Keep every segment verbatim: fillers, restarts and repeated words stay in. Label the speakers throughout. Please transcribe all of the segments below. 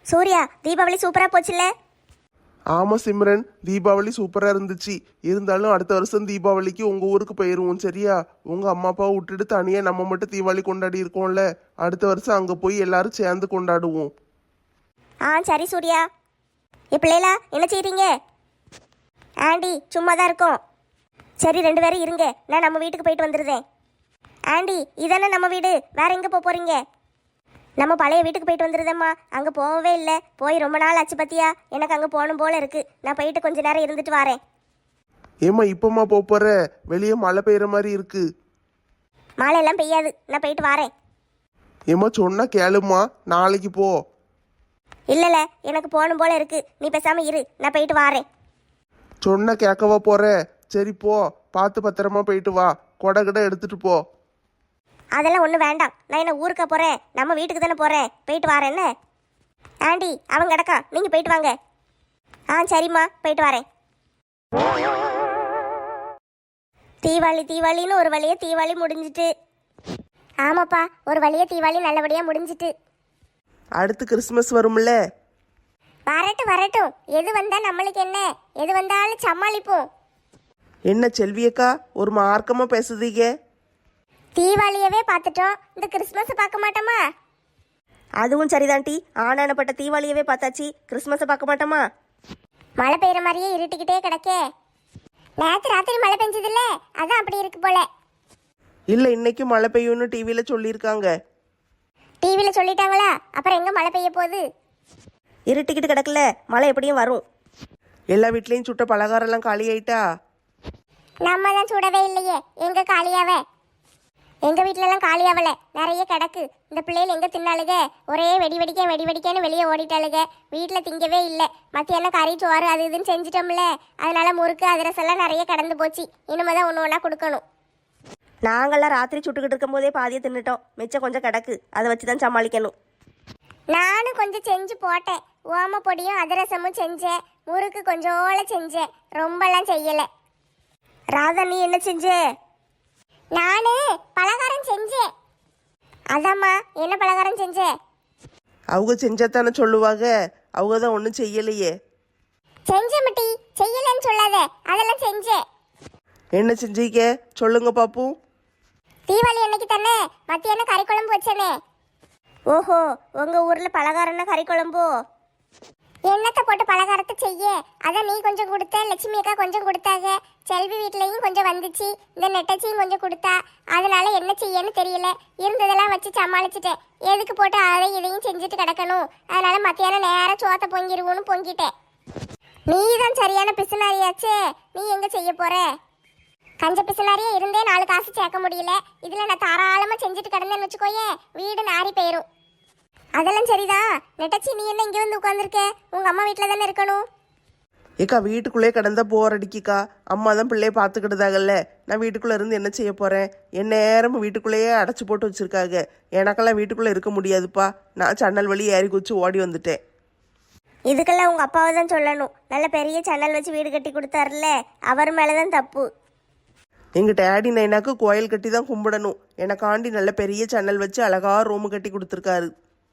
Speaker 1: சூர்யா, தீபாவளி சூப்பரா போச்சுல்ல?
Speaker 2: ஆமாம் சிம்ரன், தீபாவளி சூப்பராக இருந்துச்சு. இருந்தாலும் அடுத்த வருஷம் தீபாவளிக்கு உங்கள் ஊருக்கு போயிடுவோம் சரியா? உங்கள் அம்மா அப்பாவை விட்டுட்டு தனியாக நம்ம மட்டும் தீபாவளி கொண்டாடி இருக்கோம்ல, அடுத்த வருஷம் அங்கே போய் எல்லாரும் சேர்ந்து கொண்டாடுவோம்.
Speaker 1: ஆ சரி சூர்யா. என் பிள்ளைகளா என்ன செய்றீங்க? ஆண்டி சும்மா தான் இருக்கோம். சரி ரெண்டு பேரும் இருங்க, நான் நம்ம வீட்டுக்கு போயிட்டு வந்துடுறேன். ஆண்டி இதானே நம்ம வீடு, வேற எங்கே போக போகிறீங்க? நம்ம பழைய வீட்டுக்கு போயிட்டு வந்துடுதேம்மா. அங்கே போகவே இல்லை, போய் ரொம்ப நாள் ஆச்சு பத்தியா. எனக்கு அங்கே போகணும் போல இருக்கு. நான் போயிட்டு கொஞ்ச நேரம் இருந்துட்டு வரேன்.
Speaker 2: ஏம்மா இப்போம்மா போக போகிற? வெளியே மழை பெய்கிற மாதிரி இருக்கு.
Speaker 1: மழை எல்லாம் பெய்யாது, நான் போயிட்டு வரேன்.
Speaker 2: ஏம்மா சொன்னா கேளும்மா, நாளைக்கு போ.
Speaker 1: இல்லைல்ல, எனக்கு போகணும் போல இருக்கு. நீ பேசாமல் இரு, நான் போயிட்டு வரேன்.
Speaker 2: சொன்னா கேட்கவா போற? சரி போ, பார்த்து பத்திரமா போயிட்டு வா. கொடை கிட எடுத்துட்டு போ.
Speaker 1: அதெல்லாம் ஒன்றும் வேண்டாம். நான் என்ன ஊருக்கா போகிறேன்? நம்ம வீட்டுக்கு தானே போகிறேன். போயிட்டு வரேன். என்ன ஆண்டி அவங்க கிடக்கா, நீங்கள் போயிட்டு வாங்க. ஆ சரிம்மா, போயிட்டு வரேன். தீபாவளி தீபாவளின்னு ஒரு வழியே தீபாவளி முடிஞ்சிட்டு. ஆமாப்பா, ஒரு வழியே தீபாவளி நல்லபடியாக முடிஞ்சிட்டு.
Speaker 2: அடுத்து கிறிஸ்மஸ் வரும்ல?
Speaker 1: வரட்டும் வரட்டும், எது வந்தால் நம்மளுக்கு என்ன, எது வந்தாலும் சமாளிப்போம்.
Speaker 2: என்ன செல்வியக்கா ஒரு மார்க்கமாக பேசுதீங்க?
Speaker 1: தீபாவளியவே பார்த்துட்டோம், இந்த கிறிஸ்மஸை பார்க்க மாட்டோமா?
Speaker 3: அதுவும் சரிதான்டி, ஆனானப்பட்ட தீபாவளியவே பார்த்தாச்சு, கிறிஸ்மஸை பார்க்க மாட்டோமா?
Speaker 1: மழை பெய்யுற மாதிரியே இருட்டிக்கிட்டே கிடக்கே. நேற்று ராத்திரி மழை பெஞ்சதில்ல, அதான் அப்படி இருக்கு போல.
Speaker 2: இல்லை இன்னைக்கு மழை பெய்யும்னு டிவியில் சொல்லியிருக்காங்க.
Speaker 1: டிவியில் சொல்லிட்டாங்களா? அப்புறம் எங்கே மழை பெய்ய போகுது?
Speaker 3: இருட்டிக்கிட்டு கிடக்கல, மழை எப்படியும் வரும்.
Speaker 2: எல்லா வீட்லேயும் சுட்ட பலகாரம்லாம் காலி ஆயிட்டா?
Speaker 1: நம்ம தான் சுடவே இல்லையே, எங்க காலியாவே? எங்க வீட்டிலலாம் காலியாவல, நிறைய கிடக்கு. இந்த பிள்ளைகள் எங்க தின்னாளுக? ஒரே வெடி வெடிக்க வெடி வெடிக்கன்னு வெளியே ஓடிட்டாளுக. வீட்டில் திங்கவே இல்லை. மத்தியானம் கறி சோறு அது இதுன்னு செஞ்சிட்டோம்ல, அதனால முறுக்கு அதிரசெல்லாம் நிறைய கடந்து போச்சு. இனிமே தான் ஒன்று ஒன்றா கொடுக்கணும்.
Speaker 3: நாங்கள்லாம் ராத்திரி சுட்டுக்கிட்டு இருக்கும் போதே பாதியை தின்னுட்டோம், மிச்சம் கொஞ்சம் கிடக்கு, அதை வச்சு தான் சமாளிக்கணும்.
Speaker 1: நானும் கொஞ்சம் செஞ்சு போட்டேன். ஓம பொடியும் அதிரசமும் செஞ்சேன், முறுக்கு கொஞ்சோல செஞ்சேன், ரொம்பலாம் செய்யலை. ராதா நீ என்ன செஞ்ச? நானு பலகாரம் செஞ்சேன். அதாம்மா, என்ன பலகாரம் செஞ்ச?
Speaker 2: அவங்க செஞ்சாத்தானே சொல்லுவாங்க, அவங்க தான் ஒன்றும் செய்யலையே.
Speaker 1: செஞ்ச மட்டி, செய்யலன்னு சொல்லாத, அதெல்லாம் செஞ்சேன்.
Speaker 2: என்ன செஞ்சீங்க சொல்லுங்க பாப்போம்.
Speaker 1: தீபாவளி அன்னைக்கு தானே மத்தியானம் கறி குழம்பு வச்சனே. ஓஹோ, உங்க ஊர்ல பலகாரம்னா கறி குழம்போ? என்னத்தை போட்டு பலகாரத்தை செய்ய? அதான் நீ கொஞ்சம் கொடுத்த, லட்சுமி அக்கா கொஞ்சம் கொடுத்தாங்க, செல்வி வீட்லையும் கொஞ்சம் வந்துச்சு, இந்த நெட்டச்சியும் கொஞ்சம் கொடுத்தா. அதனால என்ன செய்யன்னு தெரியல, இருந்ததெல்லாம் வச்சு சமாளிச்சுட்டேன். எதுக்கு போட்டு அதையும் இதையும் செஞ்சுட்டு கிடக்கணும்? அதனால மத்தியானம் நேரம் சோத்தை பொங்கிடுவோன்னு பொங்கிட்டேன். நீ தான் சரியான பிசுனாரியாச்சே, நீ எங்க செய்ய போற? கஞ்ச பிசுனாரியே இருந்தே நாலு காசு சேர்க்க முடியல, இதுல நான் தாராளமா செஞ்சுட்டு கிடந்தேன்னு வச்சுக்கோயே, வீடு நாரி போயிரும். அதெல்லாம் சரிதான். நெட்டச்சி நீ என்ன இங்கே வந்து உட்காந்துருக்க? உங்க அம்மா வீட்டில் தானே இருக்கணும்.
Speaker 2: ஏக்கா வீட்டுக்குள்ளே கிடந்தா போர் அடிக்கிக்கா. அம்மா தான் பிள்ளைய பார்த்துக்கிட்டதாகல்ல, நான் வீட்டுக்குள்ளே இருந்து என்ன செய்ய போகிறேன்? என் நேரமும் வீட்டுக்குள்ளேயே அடைச்சி போட்டு வச்சுருக்காங்க. எனக்கெல்லாம் வீட்டுக்குள்ளே இருக்க முடியாதுப்பா. நான் சன்னல் வழி ஏறி குச்சி ஓடி வந்துட்டேன்.
Speaker 1: இதுக்கெல்லாம் உங்கள் அப்பாவை தான் சொல்லணும். நல்ல பெரிய சன்னல் வச்சு வீடு கட்டி கொடுத்தாருல, அவர் மேலே தான் தப்பு.
Speaker 2: எங்கள் டேடி நைனாக்கு கோயில் கட்டி தான் கும்பிடணும். எனக்காண்டி நல்ல பெரிய சன்னல் வச்சு அழகாக ரூமு கட்டி கொடுத்துருக்காரு.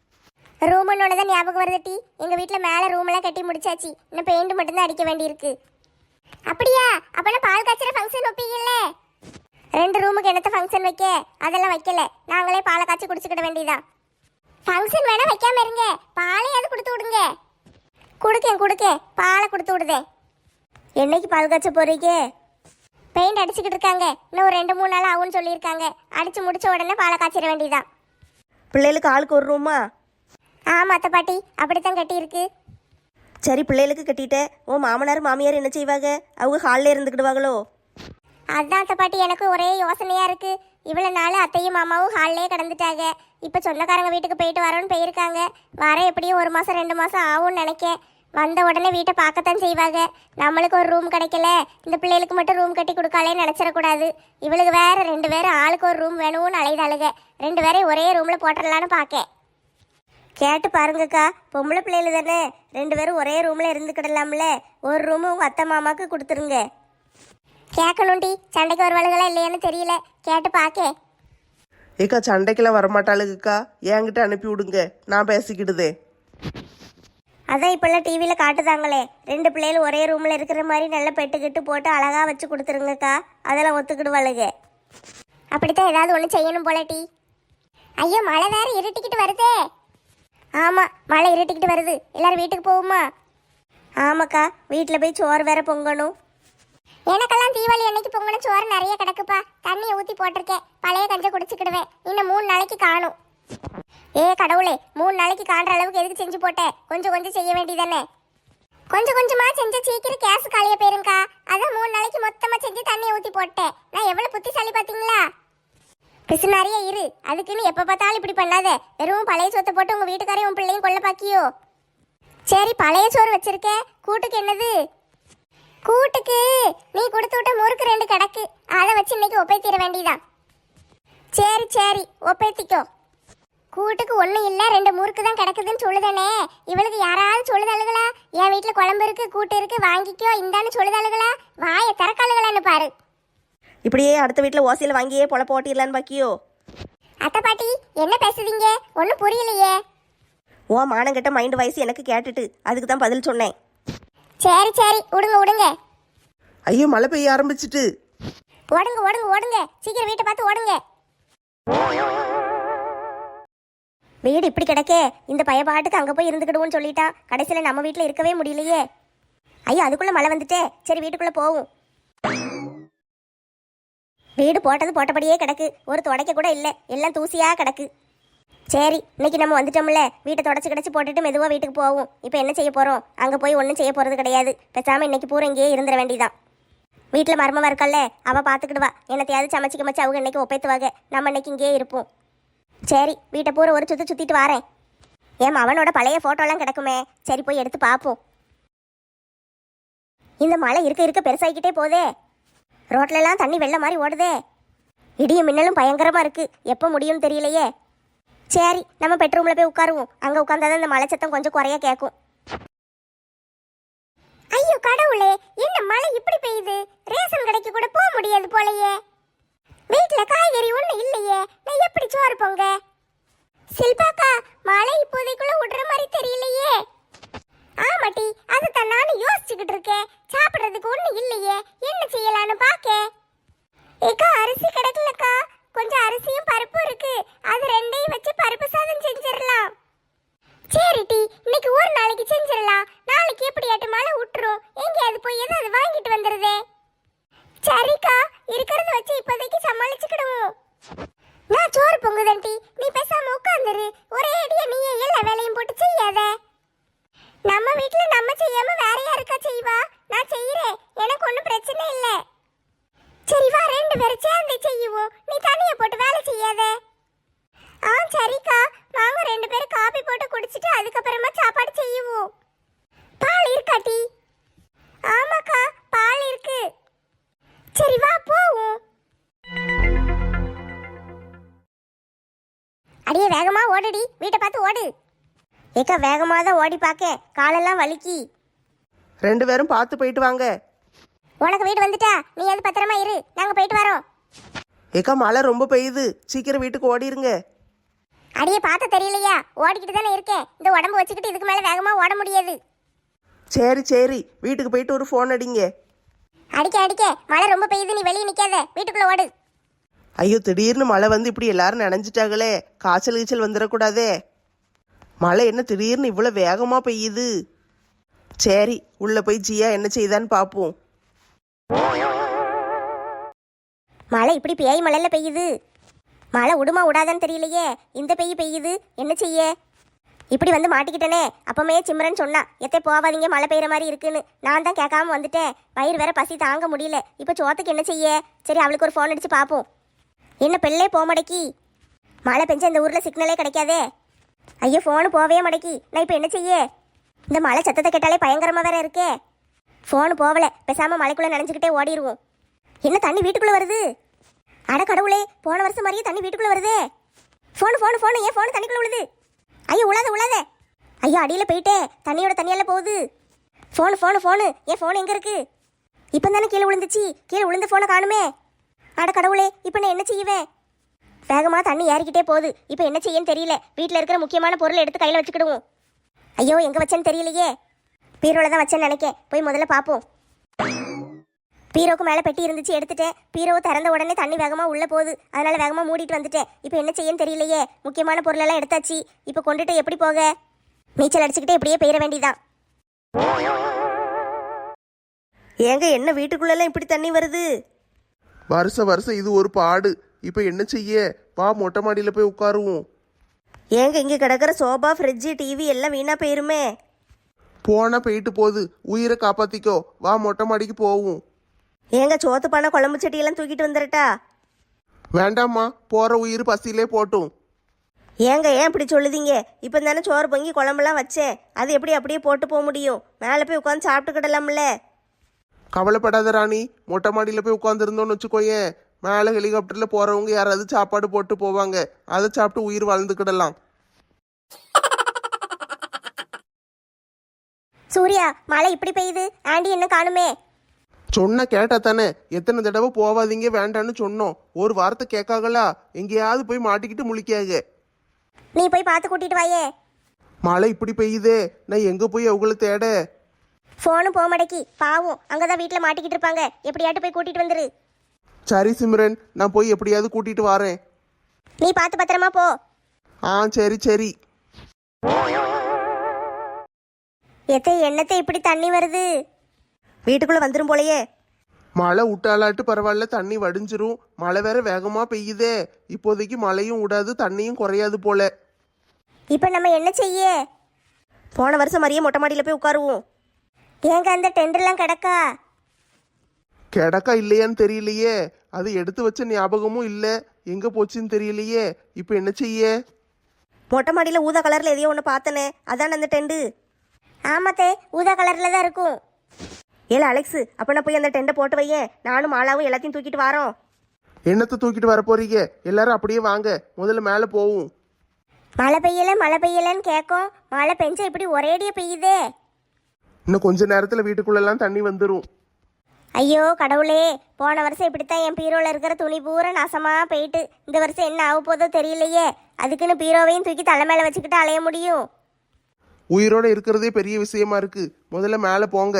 Speaker 1: ரூமனோட தான் ஞாபகம் வருதுட்டி, எங்கள் வீட்டில் மேலே ரூமெல்லாம் கட்டி முடிச்சாச்சு, இன்னும் பெயிண்ட் மட்டும்தான் அடிக்க வேண்டியிருக்கு. அப்படியா? அப்போனா பால் காய்ச்சற ஃபங்க்ஷன் வைப்பீங்கல்ல? ரெண்டு ரூமுக்கு என்னத்த ஃபங்க்ஷன் வைக்க? அதெல்லாம் வைக்கல, நாங்களே பாலை காய்ச்சி குடிச்சுக்கிட வேண்டியதான். ஃபங்க்ஷன் வேணா வைக்காம இருங்க, பாலையாவது கொடுத்து விடுங்க. கொடுக்கேன் கொடுக்கேன், பாலை கொடுத்து விடுதேன். என்னைக்கு பால் காய்ச்ச போறீங்க? பெயிண்ட் அடிச்சுக்கிட்டு இருக்காங்க, இன்னும் ஒரு ரெண்டு மூணு நாள் ஆகும்னு சொல்லியிருக்காங்க. அடிச்சு முடிச்ச உடனே பாலை காய்ச்சிட வேண்டியதான்.
Speaker 3: பிள்ளைகளுக்கு ஆளுக்கு ஒரு ரூமா?
Speaker 1: ஆமா அத்தை பாட்டி, அப்படித்தான் கட்டியிருக்கு.
Speaker 3: சரி பிள்ளைகளுக்கு கட்டிட்டேன். ஓ மாமனார் மாமியார் என்ன செய்வாங்க? அவங்க ஹாலில் இருந்துக்கிடுவாங்களோ?
Speaker 1: அதான் அத்தை பாட்டி, எனக்கு ஒரே யோசனையா இருக்கு. இவ்வளோ நாள் அத்தையும் மாமாவும் ஹாலிலே கிடந்துட்டாங்க. இப்போ சொந்தக்காரங்க வீட்டுக்கு போயிட்டு வரோன்னு போயிருக்காங்க. வர எப்படியும் ஒரு மாதம் ரெண்டு மாதம் ஆகும்னு நினைக்கேன். வந்த உடனே வீட்டை பார்க்கத்தான் செய்வாங்க. நம்மளுக்கு ஒரு ரூம் கிடைக்கல, இந்த பிள்ளைகளுக்கு மட்டும் ரூம் கட்டி கொடுக்காலே நினச்சிடக்கூடாது. இவளுக்கு வேற ரெண்டு பேரும் ஆளுக்கு ஒரு ரூம் வேணும்னு அலைதாளுங்க. ரெண்டு பேரையும் ஒரே ரூமில் போட்டுடலான்னு பார்க்கேன். கேட்டு பாருங்கக்கா, பொம்பளை பிள்ளைகள் தானே, ரெண்டு பேரும் ஒரே ரூமில் இருந்துக்கிடலாம்ல. ஒரு ரூமு உங்கள் அத்தை மாமாவுக்கு கொடுத்துருங்க. கேட்கணும்டி, சண்டைக்கு வருவாளுகளா இல்லையான்னு தெரியல, கேட்டு பார்க்கே.
Speaker 2: ஏக்கா சண்டைக்கெல்லாம் வரமாட்டாளுக்கா, என்கிட்ட அனுப்பி விடுங்க, நான் பேசிக்கிடுதே.
Speaker 1: அதான் இப்பெல்லாம் டிவியில் காட்டுதாங்களே, ரெண்டு பிள்ளைகள் ஒரே ரூமில் இருக்கிற மாதிரி நல்ல பெட்டுக்கிட்டு போட்டு அழகாக வச்சு கொடுத்துருங்கக்கா. அதெல்லாம் ஒத்துக்கிடுவாளுங்க. அப்படித்தான் ஏதாவது ஒன்று செய்யணும் போல டி. ஐயோ மழை வேற இருட்டிக்கிட்டு வருதே. ஆமாம் மழை இருட்டிக்கிட்டு வருது. எல்லாரும் வீட்டுக்கு போகுமா? ஆமாக்கா, வீட்டில் போய் சோறு வேற பொங்கணும். எனக்கெல்லாம் தீபாவளி அன்னைக்கு பொங்கன சோறு நிறைய கிடக்குப்பா. தண்ணியை ஊற்றி போட்டிருக்கேன். பழைய கஞ்சை குடிச்சுக்கிடுவேன். இன்னும் மூணு நாளைக்கு காணும். ஏ கடவுளே, மூணு நாளைக்கு காண்ற அளவுக்கு எதுக்கு செஞ்சு போட்டேன்? கொஞ்சம் கொஞ்சம் செய்ய வேண்டியதானே. கொஞ்சம் கொஞ்சமா செஞ்ச சீக்கிரம் கேஸ் காலியா போயிருங்கக்கா. அதான் மூணு நாளைக்கு மொத்தமா செஞ்சு தண்ணியை ஊற்றி போட்டேன். நான் எவ்வளவு புத்திசாலி பார்த்தீங்களா? பிசு நிறைய இரு. அதுக்குன்னு எப்போ பார்த்தாலும் இப்படி பண்ணாத. வெறும் பழைய சோத்தை போட்டு உங்க வீட்டுக்காரையும் உன் பிள்ளையும் கொள்ள பாக்கியோ? சரி, பழைய சோறு வச்சிருக்கேன். கூட்டுக்கு என்னது? கூட்டுக்கு நீ கொடுத்து விட்ட முறுக்கு ரெண்டு கிடக்கு. அதை வச்சு இன்னைக்கு ஒப்பைத்திட வேண்டியதான். சரி சரி, ஒப்பைத்திக்கோ. கூட்டுக்கு ஒன்றும் இல்லை, ரெண்டு முறுக்கு தான் கிடக்குதுன்னு சொல்லுதானே. இவளுக்கு யாராவது சொல்லுதாளுகளா? என் வீட்டில் குழம்பு இருக்கு, கூட்டு இருக்கு, வாங்கிக்கோ இந்தான்னு சொல்லுதாளுகளா? வாயை திறக்காளுகளான்னு பாரு.
Speaker 3: இப்படியே அடுத்த வீட்டில் ஓசையில் வாங்கியே பொழப்ப ஓட்டிடலான்னு பாக்கியோ?
Speaker 1: அத்தை பாட்டி என்ன பேசுதீங்க? ஒன்றும் புரியலையே.
Speaker 3: ஓ மானங்கிட்ட மைண்டு வயசு எனக்கு கேட்டுட்டு அதுக்கு தான் பதில் சொன்னேன்.
Speaker 1: சரி சரி, விடுங்க விடுங்க.
Speaker 2: ஐயோ மழை பெய்ய ஆரம்பிச்சிட்டு.
Speaker 1: ஓடுங்க ஓடுங்க ஓடுங்க, சீக்கிரம் வீட்டை பார்த்து ஓடுங்க. வீடு இப்படி கிடக்கே, இந்த பயப்பாட்டுக்கு அங்கே போய் இருந்துக்கிடுவோன்னு சொல்லிட்டான். கடைசியில் நம்ம வீட்டில் இருக்கவே முடியலையே. ஐயா அதுக்குள்ளே மழை வந்துட்டே. சரி வீட்டுக்குள்ளே போவோம். வீடு போட்டது போட்டபடியே கிடக்கு. ஒரு துடைக்க கூட இல்லை, எல்லாம் தூசியாக கிடக்கு. சரி இன்னைக்கு நம்ம வந்துட்டோம்ல, வீட்டை தொடச்சி கிடச்சி போட்டுட்டு மெதுவாக வீட்டுக்கு போவோம். இப்போ என்ன செய்ய போகிறோம்? அங்கே போய் ஒன்றும் செய்ய போகிறது கிடையாது. பேசாமல் இன்னைக்கு பூரா இங்கேயே இருந்துட வேண்டியதான். வீட்டில் மருமவா இருக்கல்ல, அவள் பார்த்துக்கிடுவா. என்னத்தையாவது சமைச்சு கமைச்சு அவங்க இன்னைக்கு ஒப்பைத்துவாங்க. நம்ம இன்னைக்கு இங்கேயே இருப்போம். சரி வீட்டை பூரா ஒரு சுற்றி சுற்றிட்டு வாரேன். ஏன் அவனோட பழைய ஃபோட்டோலாம் கிடக்குமே, சரி போய் எடுத்து பார்ப்போம். இந்த மழை இருக்க இருக்க பெருசாகிக்கிட்டே போதே. ரோட்லலாம் தண்ணி வெள்ள மாதிரி ஓடுதே. இடியும் மின்னலும் பயங்கரமாக இருக்குது. எப்போ முடியும்னு தெரியலையே. சரி நம்ம பெட்ரூமில் போய் உட்காருவோம். அங்கே உட்காந்தாதான் இந்த மழை சத்தம் கொஞ்சம் குறைய கேட்கும். ஐயோ கடவுளே, என்ன மழை இப்படி பெய்யுது? ரேஷன் கடைக்கு கூட போக முடியாது போலையே. வீட்டில் காய்கறி ஒன்றும் இல்லையே, நான் எப்படி சோறு பொங்க? சில்பாக்கா, மழை இப்போதைக்குள்ள விடுற மாதிரி தெரியலையே. ஆமாட்டி, அதுதான் நானும் யோசிச்சுக்கிட்டு இருக்கேன். சாப்பிட்றதுக்கு ஒன்றும் இல்லையே, என்ன செய்யலான்னு பார்க்க. ஏக்கா அரிசி கிடைக்கலக்கா. கொஞ்சம் அரிசியும் பருப்பும் இருக்கு, அது ரெண்டையும் வச்சு பருப்பு சாதம் செஞ்சிடலாம். சரிட்டி, இன்னைக்கு ஒரு நாளைக்கு செஞ்சிடலாம். நாளைக்கு எப்படியாட்டு மழை விட்டுரும். எங்கேயாவது போய் ஏதாவது வாங்கிட்டு வந்துடுதே. சரிக்கா, இருக்கிறத வச்சு இப்போதைக்கு சமாளிச்சுக்கிடுவோம். நான் சோறு பொங்குதன்டி, நீ பேசாம உட்காந்துரு. ஒரே அடியா நீயே எல்லா வேலையும் போட்டு செய்யாத. நம்ம வீட்டுல நம்ம செய்யாம வேற யாருக்கா செய்வா? நான் செய்யறேன், எனக்கு ஒன்றும் பிரச்சனை இல்லை. சரி வா, ரெண்டு பேரும் சேர்ந்து செய்யுவோம். நீ தனியா போட்டு வேலை செய்யாத. ஆ சரிக்கா, வாங்க ரெண்டு பேரும் காபி போட்டு குடிச்சிட்டு அதுக்கப்புறமா சாப்பாடு செய்யுவோம். பால் இருக்காட்டி? ஆமாக்கா பால் இருக்கு. சரி வா போவோம். அடியே வேகமா ஓடுடி, வீட்டை பார்த்து ஓடு. ஏக்கா வேகமாக தான் ஓடி பார்க்க, காலெல்லாம் வலிக்கி.
Speaker 2: ரெண்டு பேரும் பார்த்து போயிட்டு வாங்க.
Speaker 1: உனக்கு வீடு வந்துட்டா, நீ அது பத்திரமா இரு, நாங்கள் போயிட்டு வரோம்.
Speaker 2: ஏக்கா மழை ரொம்ப பெய்யுது, சீக்கிரம் வீட்டுக்கு ஓடிருங்க.
Speaker 1: அடியே பார்த்து தெரியலையா? ஓடிக்கிட்டு தானே இருக்கேன். இந்த உடம்பு வச்சுக்கிட்டு இதுக்கு மேலே வேகமாக ஓட முடியாது.
Speaker 2: சரி சரி, வீட்டுக்கு போயிட்டு ஒரு ஃபோன் அடிங்க.
Speaker 1: அடிக்க அடிக்க மழை ரொம்ப பெய்யுது, நீ வெளியே நிற்காத, வீட்டுக்குள்ளே ஓடு.
Speaker 2: ஐயோ திடீர்னு மழை வந்து இப்படி எல்லாரும் நனைஞ்சிட்டாங்களே, காய்ச்சல் கீச்சல் வந்துடக்கூடாதே. மழை என்ன திடீர்னு இவ்வளோ வேகமாக பெய்யுது. சரி உள்ளே போய் ஜியா என்ன செய்தான்னு பார்ப்போம்.
Speaker 1: மழை இப்படி பேய் மழையில பெய்யுது. மழை விடுமா விடாதான்னு தெரியலையே. இந்த பெய்ய பெய்யுது, என்ன செய்ய? இப்படி வந்து மாட்டிக்கிட்டனே. அப்பமே சிம்ரன் சொன்னா எத்தே போவாதீங்க மழை பெய்யுற மாதிரி இருக்குன்னு. நான் தான் கேட்காம வந்துட்டேன். வயிறு வேற பசி தாங்க முடியல. இப்போ சோத்துக்கு என்ன செய்ய? சரி அவளுக்கு ஒரு ஃபோன் அடிச்சு பார்ப்போம். என்ன பெல்லே போக மடக்கி? மழை பெஞ்ச இந்த ஊரில் சிக்னலே கிடைக்காதே. ஐயோ ஃபோனு போவே மடக்கி, நான் இப்போ என்ன செய்ய? இந்த மழை சத்தத்தை கேட்டாலே பயங்கரமாக வேற இருக்கே. ஃபோனு போகலை, பேசாமல் மழைக்குள்ளே நினைஞ்சுக்கிட்டே ஓடிடுவோம். என்ன தண்ணி வீட்டுக்குள்ளே வருது? அட கடவுளே, போன வருஷம் மாதிரியே தண்ணி வீட்டுக்குள்ளே வருதே. ஃபோனு ஃபோனு ஃபோனு ஏன் ஃபோனு தண்ணிக்குள்ளே விழுது? ஐயோ உழாத உழாத. ஐயோ அடியில் போயிட்டே, தண்ணியோட தண்ணியெல்லாம் போகுது. ஃபோனு ஃபோனு ஃபோனு ஏன் ஃபோன் எங்கே இருக்கு? இப்போ தானே கீழே விழுந்துச்சு, கீழே விழுந்த ஃபோனை காணுமே. அட கடவுளே, இப்போ நான் என்ன செய்வேன்? வேகமாக தண்ணி ஏறிக்கிட்டே போகுது, இப்போ என்ன செய்யன்னு தெரியல. வீட்டில் இருக்கிற முக்கியமான பொருளை எடுத்து கையில் வச்சுக்கிடுவோம். ஐயோ எங்க வச்சேன்னு தெரியலையே. பீரோல தான் வச்சேன்னு நினைக்கேன். போய் முதல்ல பார்ப்போம். பீரோக்கு மேலே பெட்டி இருந்துச்சு, எடுத்துட்டேன். பீரோவை திறந்த உடனே தண்ணி வேகமாக உள்ளே போகுது. அதனால வேகமாக மூடிட்டு வந்துட்டேன். இப்போ என்ன செய்யன்னு தெரியலையே. முக்கியமான பொருளெல்லாம் எடுத்தாச்சு. இப்போ கொண்டுட்டு எப்படி போக? நீச்சல் அடிச்சுக்கிட்டே இப்படியே போயிட வேண்டியதான்.
Speaker 3: ஏங்க என்ன வீட்டுக்குள்ளெல்லாம் இப்படி தண்ணி வருது?
Speaker 2: வருஷம் வருஷம் இது ஒரு பாடு. இப்போ என்ன செய்ய? வா மொட்டை மாடியில் போய் உட்காருவோம்.
Speaker 3: ஏங்க இங்கே கிடக்கிற சோபா, ஃப்ரிட்ஜு, டிவி எல்லாம் வீணாக போயிருமே.
Speaker 2: போனா போயிட்டு போகுது. உயிரை காப்பாத்திக்கோ. வா மொட்டை மாடிக்கு போவோம்.
Speaker 3: ஏங்க சோத்து பானை, குழம்பு சட்டியெல்லாம் தூக்கிட்டு வந்துடட்டா?
Speaker 2: வேண்டாம்மா, போற உயிர் பசியிலே போட்டும்.
Speaker 3: ஏங்க ஏன் இப்படி சொல்லுதீங்க? இப்போ தானே சோறு பொங்கி குழம்புலாம் வச்சேன். அது எப்படி அப்படியே போட்டு போக முடியும்? மேலே போய் உட்காந்து சாப்பிட்டுக்கிடலாம்ல.
Speaker 2: கவலைப்படாத ராணி, மொட்டை மாடியில் போய் உட்காந்துருந்தோன்னு வச்சுக்கோயேன், மேலே ஹெலிகாப்டரில் போகிறவங்க யாராவது சாப்பாடு போட்டு போவாங்க. அதை சாப்பிட்டு உயிர் வாழ்ந்துக்கிடலாம்.
Speaker 1: சூர்யா, மழை இப்படி பெய்யுது. ஆண்டி என்ன காணுமே?
Speaker 2: சொன்ன கேட்டா தானே? எத்தனை தடவை போவாதீங்க வேண்டான்னு சொன்னோம். ஒரு வார்த்தை கேட்காங்களா? எங்கேயாவது போய் மாட்டிக்கிட்டு முழிக்காக.
Speaker 1: நீ போய் பார்த்து கூட்டிட்டு வாயே.
Speaker 2: மழை இப்படி பெய்யுதே, நான் எங்கே போய் அவங்கள தேட?
Speaker 1: ஃபோனும் போக மடக்கி. பாவம், அங்கதான் வீட்டில் மாட்டிக்கிட்டு இருப்பாங்க. எப்படியாட்டு போய் கூட்டிட்டு வந்துரு.
Speaker 2: சரி சிம்ரன், நான் போய் எப்படியாவது கூட்டிட்டு வரேன்.
Speaker 1: நீ பார்த்து பத்திரமா போ.
Speaker 2: ஆ சரி சரி.
Speaker 1: எத்தை என்னத்தை இப்படி தண்ணி வருது?
Speaker 3: வீட்டுக்குள்ளே வந்துடும் போலையே.
Speaker 2: மழை விட்டாலாட்டு பரவாயில்ல, தண்ணி வடிஞ்சிரும். மழை வேற வேகமாக பெய்யுதே. இப்போதைக்கு மழையும் விடாது, தண்ணியும் குறையாது போல.
Speaker 1: இப்போ நம்ம என்ன செய்ய?
Speaker 3: போன வருஷம் மாதிரியே மொட்டை மாடியில் போய் உட்காருவோம்.
Speaker 1: ஏங்க அந்த டெண்டர்லாம் கிடக்கா?
Speaker 2: கிடக்கா இல்லையான்னு தெரியலையே. அது எடுத்து வச்ச ஞாபகமும் இல்லை. எங்கே போச்சுன்னு தெரியலையே. இப்போ என்ன செய்ய?
Speaker 3: மொட்டை மாடியில் ஊதா கலரில் எதையோ ஒன்று பார்த்தனே, அதான அந்த டெண்டு.
Speaker 1: ஆமாத்தே, ஊதா கலர்ல தான் இருக்கும்.
Speaker 3: ஏல அலெக்ஸு, அப்போ நான் போய் அந்த டெண்டை போட்டு வையேன். நானும் மாலாவும் எல்லாத்தையும் தூக்கிட்டு வரோம்.
Speaker 2: என்னத்தை தூக்கிட்டு வர போறீங்க? எல்லாரும் அப்படியே வாங்க, முதல்ல மேலே போவோம்.
Speaker 1: மழை பெய்யல மழை பெய்யலன்னு கேட்கும். மழை பெஞ்சா இப்படி ஒரேடியே பெய்யுதே.
Speaker 2: இன்னும் கொஞ்ச நேரத்தில் வீட்டுக்குள்ளெல்லாம் தண்ணி வந்துடும்.
Speaker 1: ஐயோ கடவுளே, போன வருஷம் இப்படித்தான் என் பீரோல இருக்கிற துணி பூரா நாசமா போயிட்டு. இந்த வருஷம் என்ன ஆக போதோ தெரியலையே. அதுக்குன்னு பீரோவையும் தூக்கி தலை மேல வச்சுக்கிட்டு அலைய முடியும்?
Speaker 2: உயிரோட இருக்கிறதே பெரிய விஷயமா இருக்கு. முதல்ல மேலே போங்க.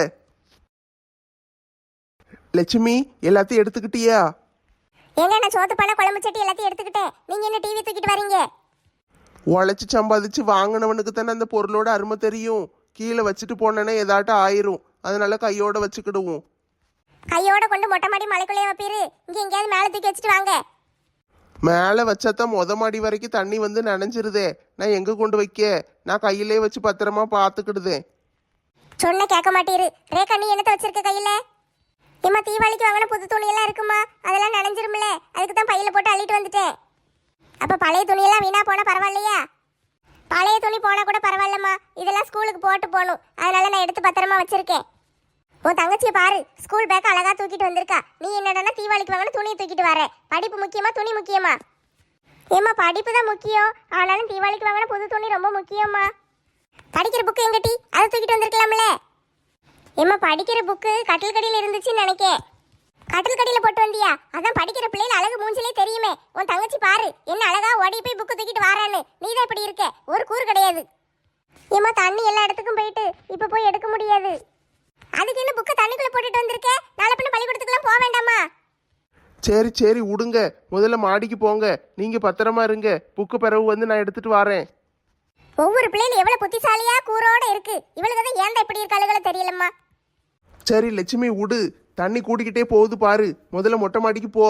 Speaker 2: லட்சுமி, எல்லாத்தையும் எடுத்துக்கிட்டியா?
Speaker 1: ஏங்க நான் சோத்து பண்ண குழம்பு சட்டி எல்லாத்தையும் எடுத்துக்கிட்டேன். நீங்க என்ன டிவி தூக்கிட்டு வரீங்க?
Speaker 2: உழைச்சி சம்பாதிச்சு வாங்கினவனுக்கு தானே அந்த பொருளோட அருமை தெரியும். கீழே வச்சுட்டு போனேன்னா ஏதாட்டும் ஆயிரும். அதனால கையோட வச்சுக்கிடுவோம்.
Speaker 1: கையோட கொண்டு மொட்டை மாடி மலைக்குள்ளேயே வைப்பீரு. இங்க எங்கேயாவது மேலே தூக்கி வச்சுட்டு வாங்க.
Speaker 2: மேலே வச்சாதான் மொத மாடி வரைக்கும் தண்ணி வந்து நனைஞ்சிருதே. நான் எங்கே கொண்டு வைக்க? நான் கையிலே வச்சு பத்திரமா பார்த்துக்கிடுதேன்.
Speaker 1: சொன்ன கேட்க மாட்டீரு. ரேக்கா, நீ என்னத்தை வச்சிருக்க கையில? ஏமா, தீபாவளிக்கு வாங்கின புது துணியெல்லாம் இருக்குமா? அதெல்லாம் நனைஞ்சிரும்ல. அதுக்கு தான் பையில போட்டு அள்ளிட்டு வந்துட்டேன். அப்ப பழைய துணியெல்லாம் வீணா போனா பரவாயில்லையா? பழைய துணி போனா கூட பரவாயில்லம்மா. இதெல்லாம் ஸ்கூலுக்கு போட்டு போகணும். அதனால நான் எடுத்து பத்திரமா வச்சிருக்கேன். உன் தங்கச்சியை பாரு, ஸ்கூல் பேக் அழகா தூக்கிட்டு வந்திருக்கா. நீ என்னடனா தீபாவளிக்கு வாங்கின துணியை தூக்கிட்டு வர. படிப்பு முக்கியமா துணி முக்கியமா? ஏம்மா, படிப்பு தான் முக்கியம். ஆனாலும் தீபாவளிக்கு வாங்கின புது துணி ரொம்ப முக்கியம்மா. படிக்கிற புக்கு எங்கட்டி? அதை தூக்கிட்டு வந்திருக்கலாம்ல. ஏம்மா, படிக்கிற புக்கு கட்டில் கடியில் இருந்துச்சுன்னு நினைக்கேன். கட்டில் கடியில் போட்டு வந்தியா? அதான் படிக்கிற பிள்ளைகள் அழகு மூஞ்சிலே தெரியுமே. உன் தங்கச்சி பாரு, என்ன அழகா ஓடி போய் புக்கு தூக்கிட்டு வாரான்னு. நீ தான் இப்படி இருக்க, ஒரு கூறு கிடையாது. ஏம்மா, தண்ணி எல்லா இடத்துக்கும் போயிட்டு இப்போ போய் எடுக்க முடியாது. அதுக்கு என்ன புக்கை தண்ணிக்குள்ள போட்டுட்டு வந்திருக்க? நாளை பின்ன பள்ளிக்கூடத்துக்குலாம் போக வேண்டாமா?
Speaker 2: சரி சரி விடுங்க, முதல்ல மாடிக்கு போங்க. நீங்க பத்திரமா இருங்க. புக்கு பிறகு வந்து நான் எடுத்துட்டு வரேன்.
Speaker 1: ஒவ்வொரு பிள்ளைகள் எவ்வளவு புத்திசாலியா கூரோட இருக்கு. இவளுக்கு தான் ஏன்டா இப்படி இருக்காளுகளோ தெரியலம்மா.
Speaker 2: சரி லட்சுமி விடு, தண்ணி கூட்டிக்கிட்டே போகுது பாரு. முதல்ல மொட்டை மாடிக்கு போ.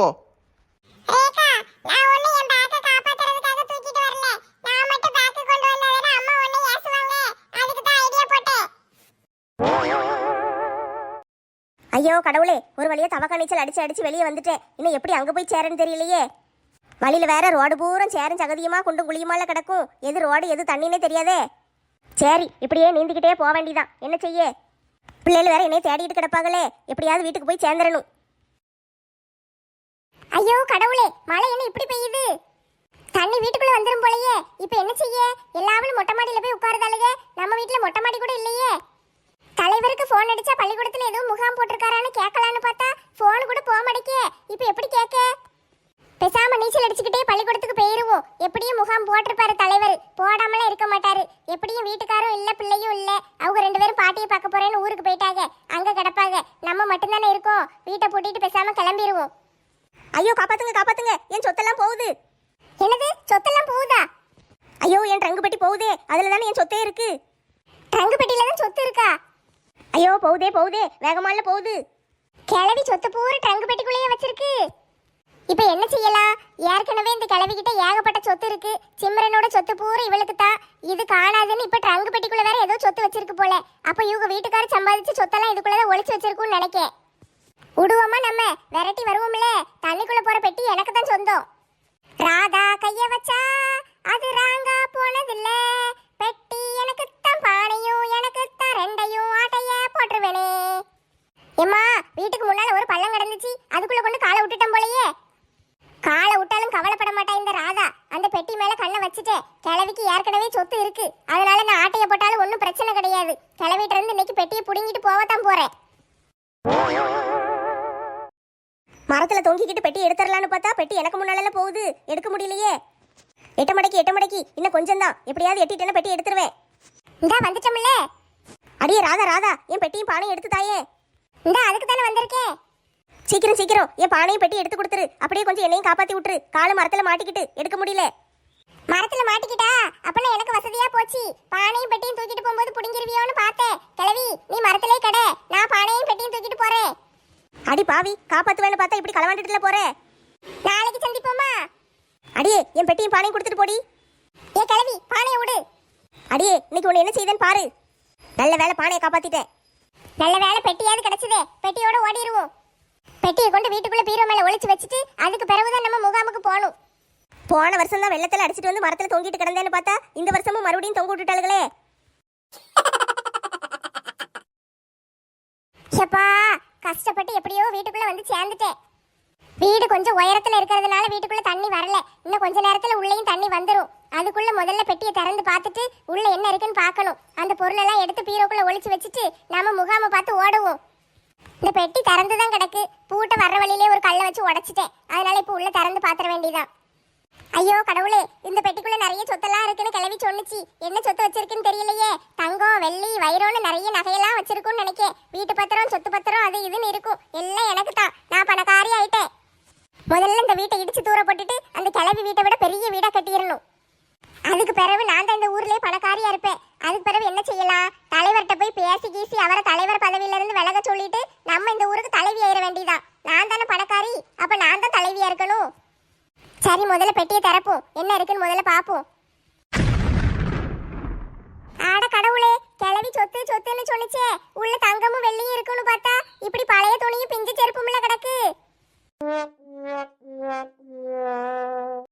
Speaker 2: ஐயோ கடவுளே, ஒரு வழியா தவக்கா நீச்சல் அடிச்சு அடிச்சு வெளியே வந்துட்டேன். இன்னும் எப்படி அங்க போய் சேரன்னு தெரியலையே. வழியில வேற ரோடு பூரம் சேரும் சகதியுமா குண்டும் குழியுமால கிடக்கும். எது ரோடு எது தண்ணினே தெரியாதே. சரி, இப்படியே நீந்திக்கிட்டே போக வேண்டிதான். என்ன செய்ய? பிள்ளைகள் வேற என்னைய தேடிட்டு கிடப்பாங்களே. எப்படியாவது வீட்டுக்கு போய் சேர்ந்துடணும். ஐயோ கடவுளே, மழை என்ன இப்படி பெய்யுது? தண்ணி வீட்டுக்குள்ள வந்துரும் போலயே. இப்ப என்ன செய்ய? எல்லாரும் மொட்டை மாடியில போய் உட்காருதாளுங்க. நம்ம வீட்டுல மொட்டை மாடி கூட இல்லையே. தலைவருக்கு போன் அடிச்சா பள்ளிக்கூடத்துல எதுவும் முகாம் போட்டிருக்காரான்னு கேட்கலான்னு பார்த்தா போன் கூட போக மாட்டேக்கே. இப்ப எப்படி கேட்க? பேசாம நீச்சல் அடிச்சுக்கிட்டே பள்ளிக்கூடத்துக்கு போயிருவோம். எப்படியும் முகாம் போட்டிருப்பாரு தலைவர்.
Speaker 1: போடுவாரு, போடாமலாம் இருக்க மாட்டாரு. எப்படியும் வீட்டுக்காரும் இல்ல பிள்ளையும் இல்ல, அவங்க ரெண்டு பேரும் பாட்டியை பார்க்க போறேன்னு ஊருக்கு போயிட்டாங்க. அங்க கிடப்பாங்க, நம்ம மட்டும்தானே இருக்கோம். வீட்டை பூட்டிட்டு பேசாம கிளம்பிடுவோம்.
Speaker 3: ஐயோ காப்பாத்துங்க காப்பாத்துங்க, என் சொத்தெல்லாம் போகுது.
Speaker 1: என்னது சொத்தெல்லாம் போகுதா?
Speaker 3: ஐயோ என் ட்ரங்கு பெட்டி போகுதே, அதுல தானே என் சொத்தே இருக்கு.
Speaker 1: ட்ரங்கு பெட்டியில தான் சொத்து இருக்கா?
Speaker 3: ஐயோ போகுதே போகுதே, வேகமால போகுது.
Speaker 1: கிளவி சொத்து பூரா ட்ரங்கு பெட்டிக்குள்ளேயே வச்சிருக்கு. இப்ப என்ன செய்யலாம்? ஏற்கனவே இந்த கிளவி கிட்ட ஏகப்பட்ட சொத்து இருக்கு. சிம்ரனோட சொத்து பூரா இவளுக்கு தான். இது காணாதுன்னு இப்ப ட்ரங்கு பெட்டிக்குள்ள வேற ஏதோ சொத்து வச்சிருக்கு போல. அப்ப இவங்க வீட்டுக்காரர் சம்பாதிச்சு சொத்தெல்லாம் இதுக்குள்ளதான் ஒளிச்சு வச்சிருக்கும்னு நினைக்கேன். விடுவோமா நம்ம? விரட்டி வருவோம்ல. தண்ணிக்குள்ள போற பெட்டி எனக்கு தான் சொந்தம். ராதா கைய வச்சா அது ராங்கா போனதில்ல. பெட்டி எனக்கு தான், பானையும் எனக்கு தான், ரெண்டையும் ஆட்டைய போட்டுருவேனே. ஏம்மா, வீட்டுக்கு முன்னால ஒரு பள்ளம் கிடந்துச்சு, அதுக்குள்ள கொண்டு காலை விட்டுட்டேன் போலயே. காலை விட்டாலும் கவலைப்பட மாட்டா இந்த ராதா. அந்த பெட்டி மேல கண்ணை வச்சுட்டேன். கிழவிக்கு ஏற்கனவே சொத்து இருக்கு, அதனால நான் ஆட்டைய போட்டாலும் ஒன்றும் பிரச்சனை கிடையாது. கிளவிட்ட இருந்து இன்னைக்கு பெட்டியை புடுங்கிட்டு போகத்தான் போறேன்.
Speaker 3: மரத்துல தொங்கிக்கிட்டு பெட்டி எடுத்துடலான்னு பார்த்தா பெட்டி எனக்கு முன்னால போகுது, எடுக்க முடியலையே. எட்ட மடக்கி எட்ட மடக்கி இன்னும் கொஞ்சம் தான், எப்படியாவது எட்டிட்டேன்னா பெட்டி எடுத்துருவேன்.
Speaker 1: இந்தா வந்துட்டோம்ல.
Speaker 3: அடியே ராதா ராதா, என் பெட்டியும் பானையும் எடுத்து தாயே.
Speaker 1: இந்தா அதுக்கு தானே வந்திருக்கேன்.
Speaker 3: சீக்கிரம் சீக்கிரம் என் பானையும் பெட்டி எடுத்து கொடுத்துரு. அப்படியே கொஞ்சம் என்னையும் காப்பாத்தி விட்டுரு. காலு மரத்துல மாட்டிக்கிட்டு எடுக்க முடியல.
Speaker 1: மரத்துல மாட்டிக்கிட்டா அப்பனா எனக்கு வசதியா போச்சு. பானையும் பெட்டியும் தூக்கிட்டு போகும்போது புடிங்கிருவியோன்னு பார்த்தேன். கிளவி நீ மரத்திலே கடை, நான் பானையும் பெட்டியும் தூக்கிட்டு போறேன்.
Speaker 3: அடி பாவி, காப்பாத்துவேன்னு பார்த்தா இப்படி களவாண்டுட்டுல போற.
Speaker 1: நாளைக்கு சந்திப்போமா?
Speaker 3: அடியே என் பெட்டியும் பானையும் கொடுத்துட்டு போடி.
Speaker 1: ஏ கிளவி பானையை விடு.
Speaker 3: அடியே இன்னைக்கு உன்னை என்ன செய்தேன்னு பாரு. நல்ல வேலை பானையை காப்பாத்திட்டேன்.
Speaker 1: நல்ல வேலை பெட்டியாவது கிடைச்சதே. பெட்டியோட ஓடிடுவோம். பெட்டியை கொண்டு வீட்டுக்குள்ள பீரோ மேல ஒளிச்சு வச்சுட்டு அதுக்கு பிறகுதான் நம்ம முகாமுக்கு போகணும்.
Speaker 3: போன வருஷம் தான் வெள்ளத்துல அடிச்சிட்டு வந்து மரத்துல தொங்கிட்டு கிடந்தேன்னு பார்த்தா இந்த வருஷமும் மறுபடியும் தொங்க விட்டுட்டாளுகளே.
Speaker 1: ஷப்பா, கஷ்டப்பட்டு எப்படியோ வீட்டுக்குள்ள வந்து சேர்ந்துட்டேன். வீடு கொஞ்சம் உயரத்துல இருக்கிறதுனால வீட்டுக்குள்ள தண்ணி வரல. இன்னும் கொஞ்ச நேரத்துல உள்ளேயும் தண்ணி வந்துடும். அதுக்குள்ள முதல்ல பெட்டியை திறந்து பார்த்துட்டு உள்ள என்ன இருக்குன்னு பார்க்கணும். அந்த பொருளெல்லாம் எடுத்து பீரோக்குள்ள ஒளிச்சு வச்சுட்டு நாம முகாமை பார்த்து ஓடுவோம். இந்த பெட்டி திறந்து தான் கிடக்கு. பூட்டை வர்ற வழியிலே ஒரு கல்லை வச்சு உடைச்சிட்டேன். அதனால இப்போ உள்ள திறந்து பாத்திர வேண்டியதான். ஐயோ கடவுளே, இந்த பெட்டிக்குள்ள நிறைய சொத்தெல்லாம் இருக்குன்னு கிளவி சொன்னுச்சு. என்ன சொத்து வச்சிருக்குன்னு தெரியலையே. தங்கம் வெள்ளி வைரோன்னு நிறைய நகையெல்லாம் வச்சிருக்குன்னு நினைக்கேன். வீட்டு பத்திரம் சொத்து பத்திரம் அது இதுன்னு இருக்கும். எல்லாம் எனக்கு தான். நான் பணக்காரி ஆயிட்டேன். முதல்ல இந்த வீட்டை இடிச்சு தூர போட்டுட்டு அந்த கிளவி வீட்டை விட பெரிய வீடா கட்டிடணும். அதுக்கு பிறகு நான் தான் இந்த ஊர்லயே பணக்காரியா இருப்பேன். அதுக்கு பிறகு என்ன செய்யலாம்? தலைவர்கிட்ட போய் பேசி கீசி அவரை தலைவர் பதவியில இருந்து விலக சொல்லிட்டு நம்ம இந்த ஊருக்கு தலைவி ஆயிட வேண்டியதான். நான் தானே பணக்காரி, அப்ப நான் தான் தலைவியா இருக்கணும். சரி, முதல்ல பெட்டியை திறப்போம். என்ன இருக்குன்னு முதல்ல பாப்போம். ஆட கடவுளே, கிளவி சொத்து சொத்துன்னு சொன்னிச்சே. உள்ள தங்கமும் வெள்ளியும் இருக்குன்னு பார்த்தா இப்படி பழைய